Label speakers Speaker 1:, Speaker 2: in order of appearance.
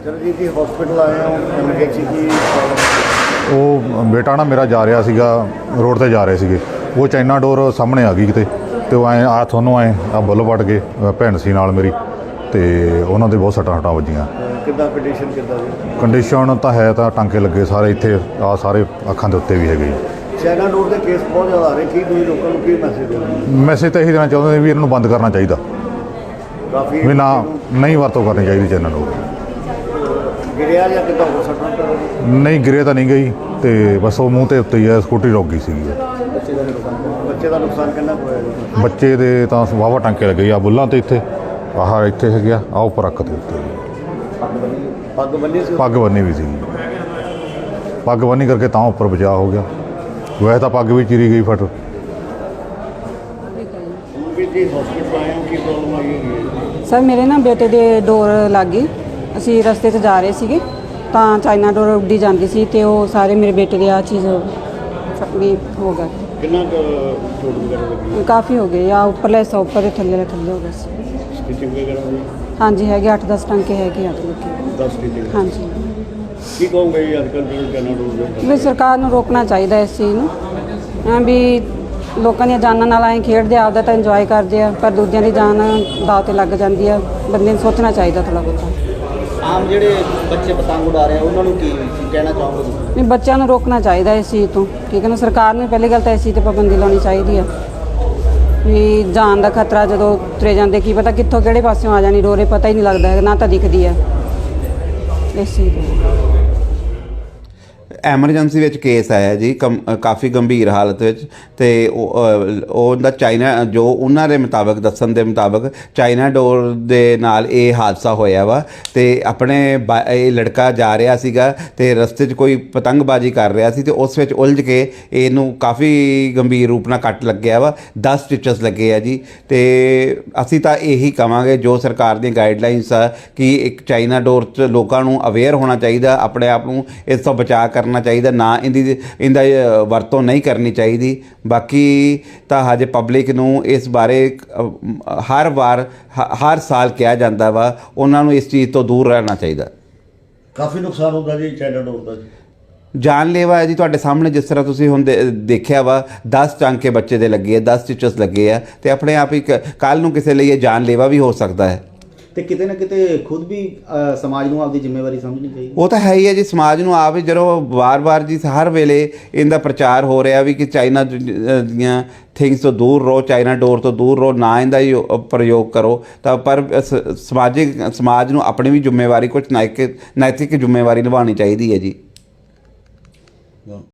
Speaker 1: ਚਰਨਜੀਤ ਜੀ ਹਸਪੀਟਲ ਆਏ ਹੋ ਐਮਰਜੈਂਸੀ ਕੀ
Speaker 2: ਉਹ ਬੇਟਾ ਨਾ ਮੇਰਾ ਜਾ ਰਿਹਾ ਸੀਗਾ, ਰੋਡ ਤੇ ਜਾ ਰਹੇ ਸੀਗੇ, ਉਹ ਚਾਈਨਾ ਡੋਰ ਸਾਹਮਣੇ ਆ ਗਈ ਕਿਤੇ, ਤੇ ਉਹ ਐਂ ਆ ਤੁਹਾਨੂੰ ਐਂ ਆ ਬੁੱਲ ਵੱਟ ਗਏ, ਭੈਣ ਸੀ ਨਾਲ ਮੇਰੀ, ਤੇ ਉਹਨਾਂ ਦੇ ਬਹੁਤ ਸੱਟਾਂ ਵੱਜੀਆਂ।
Speaker 1: ਕਿੱਦਾਂ ਕੰਡੀਸ਼ਨ ਕਿੱਦਾਂ ਦੀ?
Speaker 2: ਕੰਡੀਸ਼ਨ ਤਾਂ ਹੈ, ਤਾਂ ਟਾਂਕੇ ਲੱਗੇ ਸਾਰੇ ਇੱਥੇ, ਆ ਸਾਰੇ ਅੱਖਾਂ ਦੇ ਉੱਤੇ ਵੀ ਹੈਗੇ।
Speaker 1: ਚਾਈਨਾ ਡੋਰ ਦੇ ਕੇਸ ਬਹੁਤ ਜ਼ਿਆਦਾ ਆ ਰਹੇ, ਕੀ ਤੁਸੀਂ ਲੋਕਾਂ ਨੂੰ ਕੀ ਮੈਸੇਜ ਦਿਓ?
Speaker 2: ਮੈਸੇਜ ਤਾਂ ਇਹੀ ਦੇਣਾ ਚਾਹੁੰਦੇ ਵੀ ਇਹਨਾਂ ਨੂੰ ਬੰਦ ਕਰਨਾ ਚਾਹੀਦਾ,
Speaker 1: ਕਾਫੀ
Speaker 2: ਵੀ ਨਾ ਨਹੀਂ ਵਰਤੋਂ ਕਰਨੀ ਚਾਹੀਦੀ ਚਾਈਨਾ ਡੋਰ।
Speaker 1: ਗਿਰਿਆ ਜਾਂ ਕਿੱਦਾਂ ਹੋ ਸਕਦਾ?
Speaker 2: ਨਹੀਂ ਗਿਰੇ ਤਾਂ ਨਹੀਂ ਗਈ, ਤੇ ਬਸ ਉਹ ਮੂੰਹ ਤੇ ਉੱਤੇ ਹੀ ਆ, ਸਕੂਟਰੀ ਰੁਕ ਗਈ ਸੀਗੀ।
Speaker 1: ਬੱਚੇ ਦਾ ਨੁਕਸਾਨ ਕਿੰਨਾ ਕੁ ਹੋਇਆ ਜੀ?
Speaker 2: ਬੱਚੇ ਦੇ ਤਾਂ ਵਾਹਵਾ ਟਾਂਕੇ ਲੱਗੇ ਆ ਬੁੱਲਾਂ ਤੇ, ਇੱਥੇ ਆਹ ਇੱਥੇ ਹੈਗੇ ਆ, ਆਹ ਉੱਪਰ ਅੱਖ ਦੇ ਉੱਤੇ।
Speaker 1: ਪੱਗ ਬੰਨੀ ਸੀ?
Speaker 2: ਪੱਗ ਬੰਨੀ ਵੀ ਸੀਗੀ, ਪੱਗ ਬੰਨੀ ਕਰਕੇ ਤਾਂ ਉੱਪਰ ਬਚਾਅ ਹੋ ਗਿਆ, ਵੈਸੇ ਤਾਂ ਪੱਗ ਵੀ ਚੀਰੀ ਗਈ ਫਟ।
Speaker 1: ਜੀ ਹਸਪੀਟਲ ਆਏ ਹੋ, ਕੀ ਪ੍ਰੋਬਲਮ ਆਈ ਹੈ?
Speaker 3: ਸਰ ਮੇਰੇ ਨਾ ਬੇਟੇ ਦੇ ਡੋਰ ਲੱਗ ਗਈ, ਅਸੀਂ ਰਸਤੇ 'ਚ ਜਾ ਰਹੇ ਸੀਗੇ ਤਾਂ ਚਾਈਨਾ ਡੋਰ ਉੱਡੀ ਜਾਂਦੀ ਸੀ, ਤੇ ਉਹ ਸਾਰੇ ਮੇਰੇ ਬੇਟੇ ਦੇ ਆ ਚੀਜ਼ ਵੀ ਹੋ ਗਿਆ।
Speaker 1: ਕਿੰਨਾ ਚੋਟ ਵਗੈਰਾ ਲੱਗੀ?
Speaker 3: ਕਾਫੀ ਹੋ ਗਏ ਆ, ਉੱਪਰਲੇ ਹਿੱਸਾ ਉੱਪਰ ਦੇ ਥੱਲੇ ਹੋ ਗਿਆ ਸੀ।
Speaker 1: ਸਟਿਚਿੰਗ ਵਗੈਰਾ ਹੋਈ?
Speaker 3: ਹਾਂਜੀ ਹੈਗੇ 8-10 ਟਾਂਕੇ ਹੈਗੇ ਆ ਲੋਕੀ।
Speaker 1: 10 ਸਟਿਚਿੰਗ? ਅੱਜ
Speaker 3: ਹਾਂਜੀ
Speaker 1: ਕਹੋਗੇ ਜੀ ਅੱਜ ਕੱਲ੍ਹ ਜਿਹੜੇ ਚਾਈਨਾ ਡੋਰ
Speaker 3: ਵੀ ਸਰਕਾਰ ਨੂੰ ਰੋਕਣਾ ਚਾਹੀਦਾ ਇਸ ਚੀਜ਼ ਨੂੰ, ਐਂ ਵੀ ਲੋਕਾਂ ਦੀਆਂ ਜਾਨਾਂ ਨਾਲ ਐਂ ਖੇਡਦੇ, ਆਪਦਾ ਤਾਂ ਇੰਜੋਏ ਕਰਦੇ ਆ, ਪਰ ਦੂਜਿਆਂ ਦੀ ਜਾਨ ਦਾਅ 'ਤੇ ਲੱਗ ਜਾਂਦੀ ਆ। ਬੰਦੇ ਨੂੰ ਸੋਚਣਾ ਚਾਹੀਦਾ ਥੋੜ੍ਹਾ ਬਹੁਤਾ।
Speaker 4: ਆਮ ਜਿਹੜੇ ਬੱਚੇ ਪਤੰਗ ਉਡਾ ਰਹੇ ਆ ਉਹਨਾਂ ਨੂੰ ਕੀ ਕਹਿਣਾ ਚਾਹੋਗੇ ਤੁਸੀਂ?
Speaker 3: ਵੀ ਬੱਚਿਆਂ ਨੂੰ ਰੋਕਣਾ ਚਾਹੀਦਾ ਇਸ ਚੀਜ਼ ਤੋਂ, ਠੀਕ ਹੈ ਨਾ। ਸਰਕਾਰ ਨੂੰ ਪਹਿਲੀ ਗੱਲ ਤਾਂ ਇਸ ਚੀਜ਼ 'ਤੇ ਪਾਬੰਦੀ ਲਾਉਣੀ ਚਾਹੀਦੀ ਆ, ਵੀ ਜਾਨ ਦਾ ਖਤਰਾ ਜਦੋਂ ਤੁਰੇ ਜਾਂਦੇ, ਕੀ ਪਤਾ ਕਿੱਥੋਂ ਕਿਹੜੇ ਪਾਸਿਓਂ ਆ ਜਾਣੀ ਡੋਰੇ, ਪਤਾ ਹੀ ਨਹੀਂ ਲੱਗਦਾ ਹੈਗਾ, ਨਾ ਤਾਂ ਦਿਖਦੀ ਆ ਇਸ ਚੀਜ਼ ਤੋਂ।
Speaker 5: ਐਮਰਜੈਂਸੀ ਵਿੱਚ ਕੇਸ ਆਇਆ ਜੀ, ਕਾਫੀ ਗੰਭੀਰ ਹਾਲਤ ਵਿੱਚ, ਤੇ ਉਹਦਾ ਚਾਈਨਾ ਜੋ ਉਹਨਾਂ ਦੇ ਮੁਤਾਬਕ ਦੱਸਣ ਦੇ ਮੁਤਾਬਕ ਚਾਈਨਾ ਡੋਰ ਦੇ ਨਾਲ ਇਹ ਹਾਦਸਾ ਹੋਇਆ ਵਾ। ਤੇ ਆਪਣੇ ਇਹ ਲੜਕਾ ਜਾ ਰਿਹਾ ਸੀਗਾ ਤੇ ਰਸਤੇ 'ਚ ਕੋਈ ਪਤੰਗਬਾਜ਼ੀ ਕਰ ਰਿਹਾ ਸੀ, ਤੇ ਉਸ ਵਿੱਚ ਉਲਝ ਕੇ ਇਹਨੂੰ ਕਾਫੀ ਗੰਭੀਰ ਰੂਪ ਨਾਲ ਕੱਟ ਲੱਗਿਆ ਵਾ, 10 ਸਟਿਚਸ ਲੱਗੇ ਆ ਜੀ। ਤੇ ਅਸੀਂ ਤਾਂ ਇਹੀ ਕਵਾਂਗੇ, ਜੋ ਸਰਕਾਰ ਦੀਆਂ ਗਾਈਡਲਾਈਨਸ ਆ ਕਿ ਇੱਕ ਚਾਈਨਾ ਡੋਰ 'ਚ ਲੋਕਾਂ ਨੂੰ ਅਵੇਅਰ ਹੋਣਾ ਚਾਹੀਦਾ, ਆਪਣੇ ਆਪ ਨੂੰ ਇਸ ਤੋਂ ਬਚਾਅ ਕਰਨਾ ਚਾਹੀਦਾ, ਨਾ ਇਹਦਾ ਵਰਤੋਂ ਨਹੀਂ ਕਰਨੀ ਚਾਹੀਦੀ। ਬਾਕੀ ਤਾਂ ਹਜੇ ਪਬਲਿਕ ਨੂੰ ਇਸ ਬਾਰੇ ਹਰ ਸਾਲ ਕਿਹਾ ਜਾਂਦਾ ਵਾ, ਉਹਨਾਂ ਨੂੰ ਇਸ ਚੀਜ਼ ਤੋਂ ਦੂਰ ਰਹਿਣਾ ਚਾਹੀਦਾ।
Speaker 1: ਕਾਫੀ ਨੁਕਸਾਨ ਹੁੰਦਾ ਜੀ ਚਾਈਨਾ ਡੋਰ ਦਾ?
Speaker 5: ਜਾਨਲੇਵਾ ਹੈ ਜੀ, ਤੁਹਾਡੇ ਸਾਹਮਣੇ ਜਿਸ ਤਰ੍ਹਾਂ ਤੁਸੀਂ ਹੁਣ ਦੇਖਿਆ ਵਾ, 10 ਟਾਂਕੇ ਬੱਚੇ ਦੇ ਲੱਗੇ ਆ, 10 ਸਟਿਚਸ ਲੱਗੇ ਆ, ਤੇ ਆਪਣੇ ਆਪ ਹੀ ਕੱਲ੍ਹ ਨੂੰ ਕਿਸੇ ਲਈ ਇਹ ਜਾਨਲੇਵਾ ਵੀ ਹੋ ਸਕਦਾ ਹੈ।
Speaker 4: ਤੇ ਕਿਤੇ ਨਾ ਕਿਤੇ ਖੁਦ ਵੀ ਸਮਾਜ ਨੂੰ ਆਪਦੀ ਜ਼ਿੰਮੇਵਾਰੀ ਸਮਝਣੀ ਚਾਹੀਦੀ।
Speaker 5: ਉਹ ਤਾਂ ਹੈ ਹੀ ਹੈ ਜੀ, ਸਮਾਜ ਨੂੰ ਆਪ ਹੀ ਜਦੋਂ ਵਾਰ-ਵਾਰ ਜੀ ਹਰ ਵੇਲੇ ਇਹਦਾ ਪ੍ਰਚਾਰ ਹੋ ਰਿਹਾ ਵੀ ਕਿ ਚਾਈਨਾ ਦੀਆਂ ਥਿੰਗਸ ਤੋਂ ਦੂਰ ਰਹੋ, ਚਾਈਨਾ ਡੋਰ ਤੋਂ ਦੂਰ ਰਹੋ, ਨਾ ਇਹਦਾ ਹੀ ਪ੍ਰਯੋਗ ਕਰੋ, ਤਾਂ ਪਰ ਸਮਾਜ ਨੂੰ ਆਪਣੀ ਵੀ ਜ਼ਿੰਮੇਵਾਰੀ, ਕੁਝ ਨੈਤਿਕ ਜ਼ਿੰਮੇਵਾਰੀ ਨਿਭਾਉਣੀ ਚਾਹੀਦੀ ਹੈ ਜੀ।